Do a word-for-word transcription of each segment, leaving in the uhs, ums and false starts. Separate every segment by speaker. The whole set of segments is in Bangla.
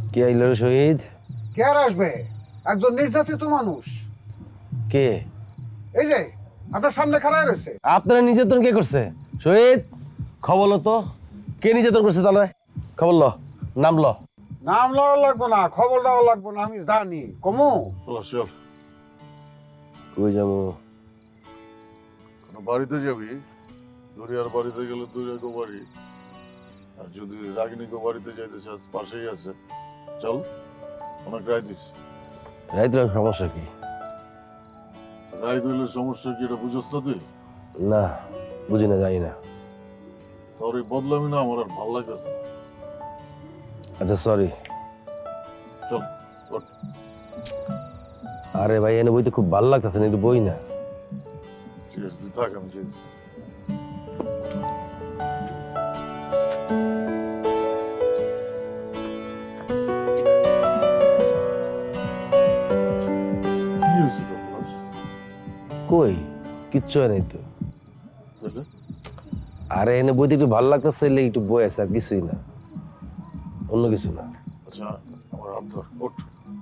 Speaker 1: কে আইল রে শহীদ?
Speaker 2: কে আর আসবে? একজন নির্যাতিত মানুষ।
Speaker 1: কে?
Speaker 2: এই যে আপনার সামনে খাড়ায় রয়েছে।
Speaker 1: আপনারা নির্যাতন কে করছে? শহীদ, খবর লো তো, কে নির্যাতন করছে তাহলে? খবর ল, নাম ল।
Speaker 2: নাম লওয়া লাগবো না, খবর দেওয়া লাগবো না, আমি জানি। কমু
Speaker 3: চল,
Speaker 1: কই যাবো?
Speaker 3: কোনো বাড়িতে যাবি? দরিয়ার বাড়িতে গেলে দরিয়া গো বাড়ি, আর যদি রাগিনী গো বাড়িতে যাইতে চাস পাশেই আছে। চল, অনেক রায় দিস।
Speaker 1: রাইত রাত সমস্যা কি?
Speaker 3: রায় দিলে সমস্যা কি এটা বুঝোস না তুই?
Speaker 1: না, বুঝি না, যাই না।
Speaker 3: তোর এই বদলামি না আমার আর ভালো লাগতেছে না।
Speaker 1: আচ্ছা সরি।
Speaker 3: চল ওঠ।
Speaker 1: আরে ভাই, এনে বইতে খুব ভালো লাগতেছে না, একটু বই না।
Speaker 3: ঠিক আছে, তুই থাক, আমি চিনি। কি হয়েছে তোর ক্লাস?
Speaker 1: কই কিচ্ছু হয় নাই তো।
Speaker 3: তাহলে
Speaker 1: আরে এনে বইতে একটু ভালো লাগতেছে, এলে একটু বই আছে, আর কিছুই না, অন্য কিছু না।
Speaker 3: আচ্ছা, আমার হাত ধর, ওঠ।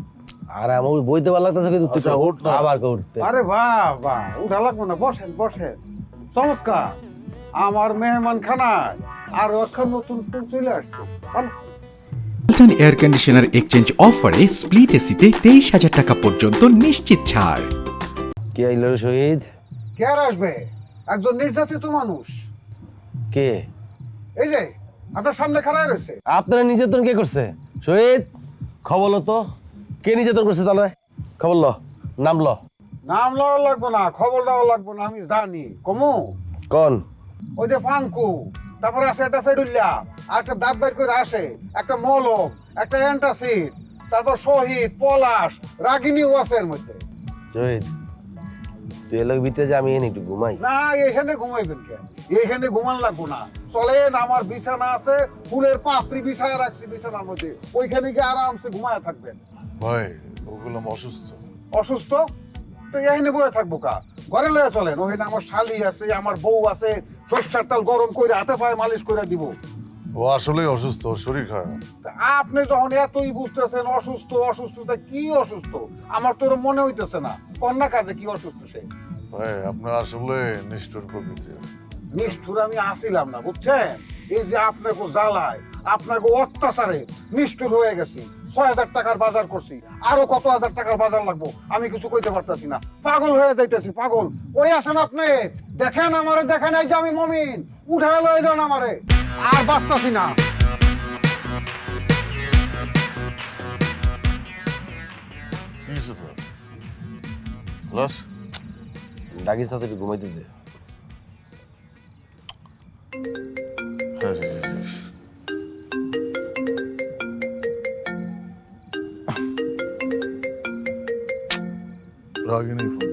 Speaker 1: আর আমার ওই বইতে ভালো লাগতেছে, কিন্তু তুই
Speaker 3: আচ্ছা, ওঠ না।
Speaker 1: আবার কে উঠতে?
Speaker 2: আরে বাহ বাহ, উঠা লাগবো না, বসেন বসেন। চমৎকার, আমার মেহমান খানায় আর একটা নতুন ফুল চলে আসছে। ভালো।
Speaker 4: ওয়ালটন এয়ার কন্ডিশনার এক্সচেঞ্জ অফারে স্প্লিট এসিতে তেইশ হাজার টাকা পর্যন্ত নিশ্চিত ছাড়।
Speaker 1: কে আইল রে শহীদ?
Speaker 2: কে আর আসবে? একজন নির্যাতিত মানুষ।
Speaker 1: কে?
Speaker 2: এই যে আপনার সামনে খাড়ায় রয়েছে।
Speaker 1: আপনারা নির্যাতন কে করছে? শহীদ, খবর লো তো, কে নির্যাতন করছে তাহলে? খবর ল, নাম ল।
Speaker 2: নাম লওয়া লাগবো না, খবর দেওয়া লাগবো না, আমি জানি। কমু
Speaker 1: কোন?
Speaker 2: ওই যে ফাঙ্কু, তারপরে আছে একটা ফেডুল্লা, আর একটা দাঁত বাইর করে আসে, একটা মলম, একটা অ্যান্টাসিড, তারপর শহীদ, পলাশ, রাগিনীও আছে এর মধ্যে।
Speaker 1: শহীদ, তুই এলাকা ভিতরে যে আমি এনে একটু ঘুমাই।
Speaker 2: না, এখানে ঘুমাইবেন কেন? এখানে ঘুমান লাগবো না, চলেন, আমার বিছানা আছে, ফুলের পাপড়ি বিছায় রাখছি বিছানার মধ্যে, ওইখানে গিয়ে আরামসে ঘুমায় থাকবেন।
Speaker 3: ভাই, ওগুলো অসুস্থ।
Speaker 2: অসুস্থ তো এখানে বয়ে থাকবো কা? ঘরে লয়ে চলেন, ওখানে আমার শালি আছে, আমার বউ আছে, সর্ষের তেল গরম করে হাতে পায়ে মালিশ করে দিব।
Speaker 3: ও আসলেই অসুস্থ, ওর শরীর খারাপ।
Speaker 2: তা আপনি যখন এতই বুঝতেছেন অসুস্থ অসুস্থ, তা কি অসুস্থ? আমার তো এরম মনে হইতেছে না। কন্যা কাজে কি অসুস্থ সে?
Speaker 3: ভাই, আপনার আসলে নিষ্ঠুর প্রকৃতি।
Speaker 2: নিষ্ঠুর আমি আসিলাম না, বুঝছেন? এই যে আপনাকে জ্বালায়, আপনাকে অত্যাচারে নিষ্ঠুর হয়ে গেছি। ছয় হাজার টাকার বাজার করছি, আরো কত হাজার টাকার বাজার লাগবো আমি কিছু কইতে পারতাছি না, পাগল হয়ে যাইতেছি, পাগল। ওই আসেন আপনি, দেখেন আমারে, দেখেন এই যে আমি মমিন, উঠায় লয়ে যান আমারে, আর বাঁচতাছি না।
Speaker 3: কি হয়েছে তোর? ক্লাস?
Speaker 1: ডাকিস না তো, একটু ঘুমাইতে দে।
Speaker 3: হ্যাঁ, হ্যাঁ, হ্যাঁ, হ্যাঁ। রাগিনী ফোন,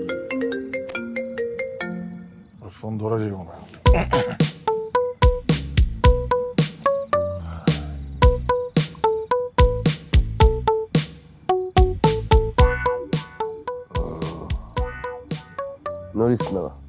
Speaker 3: ওর ফোন ধরা যাবে না।
Speaker 1: নড়িস না।